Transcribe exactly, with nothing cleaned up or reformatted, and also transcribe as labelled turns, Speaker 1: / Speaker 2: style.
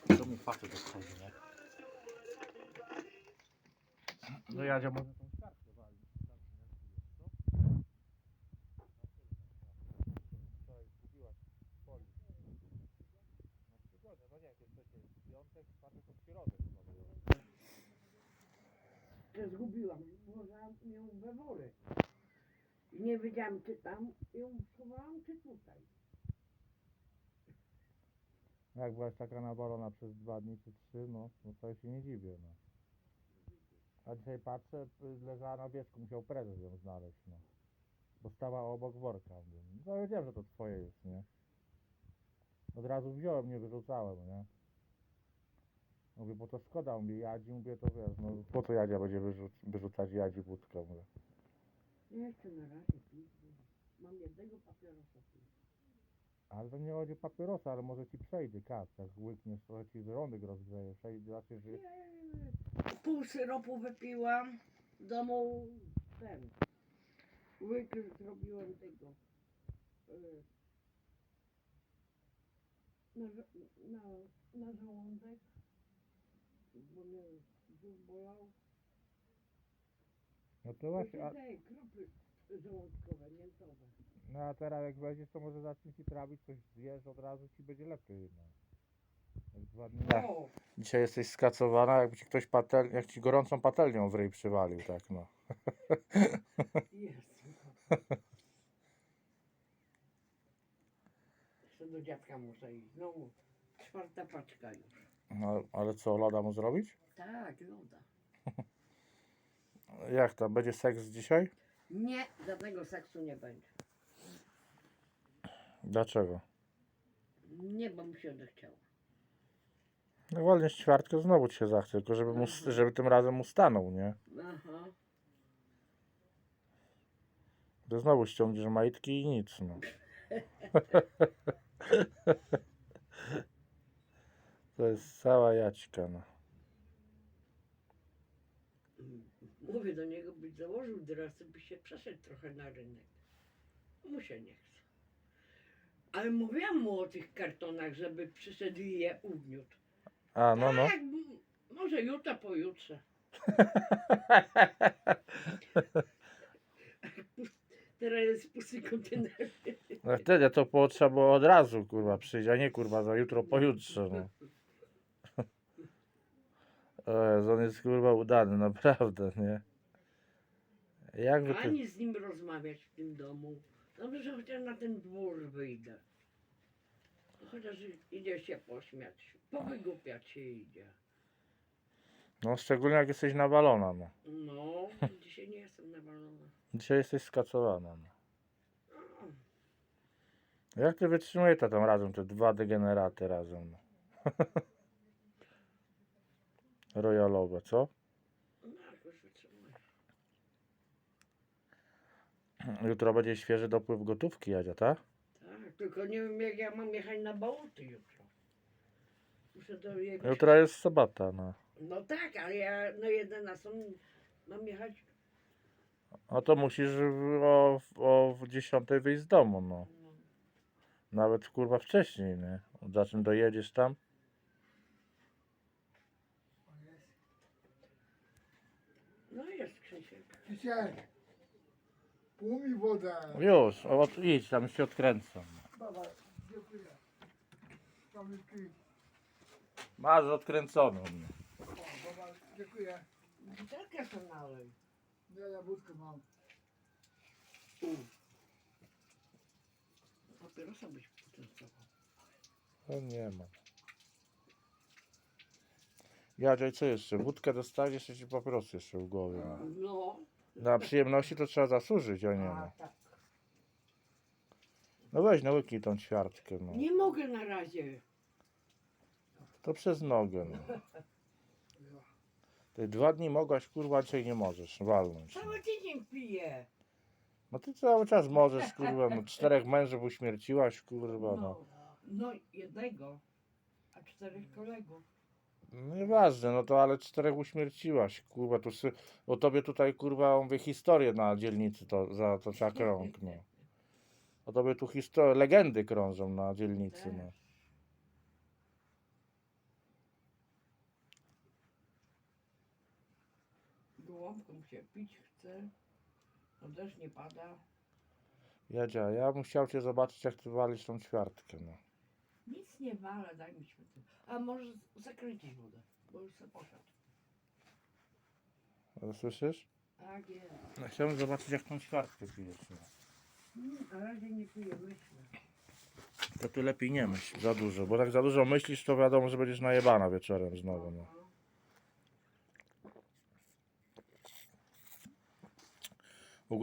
Speaker 1: Co mi facet odchodzi, nie? No Jadzia może tą kartkę walić. Tak, jak tu jest, co? Wczoraj zgubiłaś w folii. Na przygodę, no nie, jak jest przecież piątek, czwartek, od środy chyba było.
Speaker 2: Że zgubiłam, włożyłam ją we worek. I nie wiedziałam, czy tam ją schowałam, czy tutaj.
Speaker 1: Jak byłaś taka nawalona przez dwa dni czy trzy, no, no to się nie dziwię, no. A dzisiaj patrzę, leżała na wierzchu, musiał prezes ją znaleźć, no. Bo stała obok worka. Mówię, no wiedziałem, że to twoje jest, nie? Od razu wziąłem, nie wyrzucałem, nie? Mówię, bo to szkoda, mówię, Jadzi, mówię, to wiesz, no po co Jadzia będzie wyrzuc wyrzucać Jadzi wódkę, mówię.
Speaker 2: Nie chcę na razie pić, bo mam jednego papierosa tu.
Speaker 1: Ale to nie chodzi o papierosa, ale może ci przejdzie, kat, jak łykniesz, to ci żołądek rozgrzeje, przejdzie, znaczy, że...
Speaker 2: Nie, pół syropu wypiłam, w domu ten, łyk zrobiłem tego, y, na, żo- na, na żołądek, bo mnie brzuch bolał.
Speaker 1: No to właśnie, a,
Speaker 2: Te kropy żołądkowe, miętowe.
Speaker 1: no a teraz jak weźmiesz, to może zacznie ci trawić, coś zjesz, od razu ci będzie lepiej, no. Jak dwa dni...
Speaker 2: O,
Speaker 1: Dzisiaj jesteś skacowana, jakby ci ktoś patel... jak ci gorącą patelnią w ryj przywalił, tak, no.
Speaker 2: jest. Jeszcze do dziadka muszę iść. Znowu czwarta paczka już.
Speaker 1: No, ale co, loda mu zrobić?
Speaker 2: Tak, loda.
Speaker 1: Jak tam, będzie seks dzisiaj?
Speaker 2: Nie, żadnego seksu nie będzie.
Speaker 1: Dlaczego?
Speaker 2: Nie, bo mi się odechciało.
Speaker 1: No wolnie ćwiartkę znowu ci się zachce, tylko żeby, mu,
Speaker 2: Aha.
Speaker 1: żeby tym razem mu stanął, nie?
Speaker 2: Aha.
Speaker 1: To znowu ściągniesz majtki i nic, no. To jest cała jaćka, no.
Speaker 2: Mówię do niego, byś założył dresy, by się przeszedł trochę na rynek. Mu się nie chce. Ale mówiłam mu o tych kartonach, żeby przyszedł i je ugniótł.
Speaker 1: A, no, no.
Speaker 2: Tak, m- może jutro, pojutrze. Teraz jest pusty kontener.
Speaker 1: No wtedy to było, trzeba było od razu, kurwa, przyjść, a nie, kurwa, za jutro, pojutrze, no. O Jezu, on jest, kurwa, udany, naprawdę, nie? Jakby ty...
Speaker 2: Ani z nim rozmawiać w tym domu. Dobrze, że chociaż na ten dwór wyjdę. Chociaż idzie się pośmiać. Powygłupiać się idzie.
Speaker 1: No, szczególnie jak jesteś nawalona, no.
Speaker 2: No, dzisiaj nie jestem nawalona.
Speaker 1: Dzisiaj jesteś skacowana, no. Jak ty wytrzymujesz to tam razem, te dwa degeneraty razem, no. Royalowe, co?
Speaker 2: No, jakoś wytrzymuję.
Speaker 1: Jutro będzie świeży dopływ gotówki, Jadzia, tak?
Speaker 2: Tak, tylko nie wiem jak ja mam jechać na Bałty jutro. Muszę do jego...
Speaker 1: Jutro jest sobota, no.
Speaker 2: No tak, ale ja na jedenastą mam jechać.
Speaker 1: No to musisz w- o, o dziesiątej wyjść z domu, no.
Speaker 2: No,
Speaker 1: Nawet kurwa wcześniej, nie? Za czym dojedziesz tam?
Speaker 2: no jest Krzysiek.
Speaker 3: Dzisiaj umyj wodę.
Speaker 1: Już, o, idź, tam się odkręcam.
Speaker 3: Baba, dziękuję. Kamilki.
Speaker 1: Masz odkręconą.
Speaker 3: O, baba, dziękuję.
Speaker 2: Butelkę to nalej.
Speaker 3: Ja jabłkę mam.
Speaker 2: Papierosa byś potestował.
Speaker 1: To nie ma. Jadzia, co jeszcze? Wódkę dostaniesz, jeszcze ci papierosy jeszcze w głowie. No.
Speaker 2: No.
Speaker 1: Na przyjemności to trzeba zasłużyć, a nie
Speaker 2: A,
Speaker 1: no.
Speaker 2: tak.
Speaker 1: No weź, no łyknij tą ćwiartkę, no.
Speaker 2: Nie mogę na razie.
Speaker 1: To przez nogę, no. Te dwa dni mogłaś, kurwa, dzisiaj nie możesz walnąć. No.
Speaker 2: Cały tydzień piję.
Speaker 1: No ty cały czas możesz, kurwa, no czterech mężów uśmierciłaś, kurwa, no.
Speaker 2: No, no jednego, a czterech kolegów.
Speaker 1: No nieważne, no to ale czterech uśmierciłaś, kurwa, tu sy... o tobie tutaj, kurwa, on wie historię na dzielnicy, to zatocza krąg, no. O tobie tu historie, legendy krążą na dzielnicy, no.
Speaker 2: gołąbką się pić chce. No deszcz nie pada.
Speaker 1: Jadzia, ja bym chciał cię zobaczyć, jak ty walisz tą ćwiartkę, no.
Speaker 2: Nic nie wala, daj mi światło. A może zakręcić wodę, bo już sobie poszedł.
Speaker 1: Ale słyszysz?
Speaker 2: Tak jest.
Speaker 1: No, chciałbym zobaczyć, jak tą ćwiartkę pijesz, no.
Speaker 2: Mm, na razie nie piję, myślę.
Speaker 1: To ty lepiej nie myśl za dużo, bo jak za dużo myślisz, to wiadomo, że będziesz najebana wieczorem znowu, no.
Speaker 2: No,